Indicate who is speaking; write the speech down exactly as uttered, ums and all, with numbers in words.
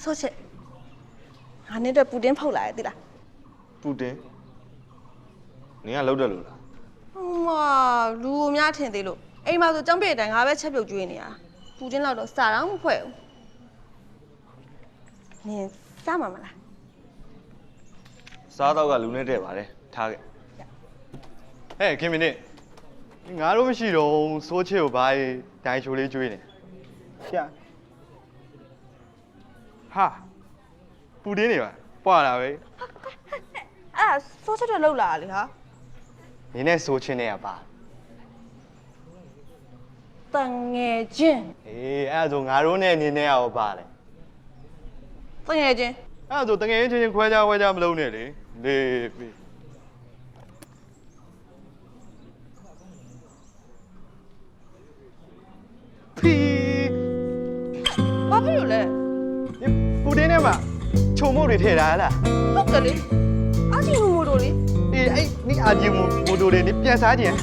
Speaker 1: ဆိုချစ်ငါနဲ့တော့ပူတင်းဖောက်လာရဲ့တိလား
Speaker 2: ပူတင်နင်ကလောက်တယ်လို့လား
Speaker 1: ဟမလူအများထင်သေးလို့အိမ်မှာဆိုចောင်းပြေတိုင်ငါပဲချက်ပြုတ်ကျွေးနေတာပူတင်းလောက်တော့စားတော့မဖွဲ့ဘူးနင်စားမှာမလား
Speaker 2: စားတော့ကလူနဲ့တဲ့ပါတယ်ထားခဲ့
Speaker 3: ဟဲ့ခင်မင်းနေငါတို့မရှိတော့စိုးချစ်ကိုဘာဒိုင်ချိုလေးကျွေးနေရှာဟာပူတင်းနေပါပွာလာပဲ
Speaker 1: အဲ့ဒါဆိုချစ်တော့လောက်လာလေဟာ
Speaker 3: နင်းနဲ့စိုးချင်းနဲ့ကပါ
Speaker 1: တန်ငယ်ချင်း
Speaker 3: အေးအဲ့ဒါဆိုငါတို့နဲ့နင်းနဲ့ရောပါလေ
Speaker 1: တန်ငယ်ချင်း
Speaker 3: အဲ့ဒါဆိုတငယ်ချင်းချင်းခွဲခြားခွဲခြားမလုပ်နဲ့လေလေပြီ ဖီ
Speaker 1: ဘာဖြစ်လို့လဲ
Speaker 3: ပူတင်းနဲ့မှာခြုံမုတ်တွေထည့်ထားလား
Speaker 1: ဟုတ်တယ်လေအားကြီးမို့မို့တို့လေ
Speaker 3: အေးအဲ့နိအာဂျီမိုမိုတိုတွေနိပြန်စားကြင်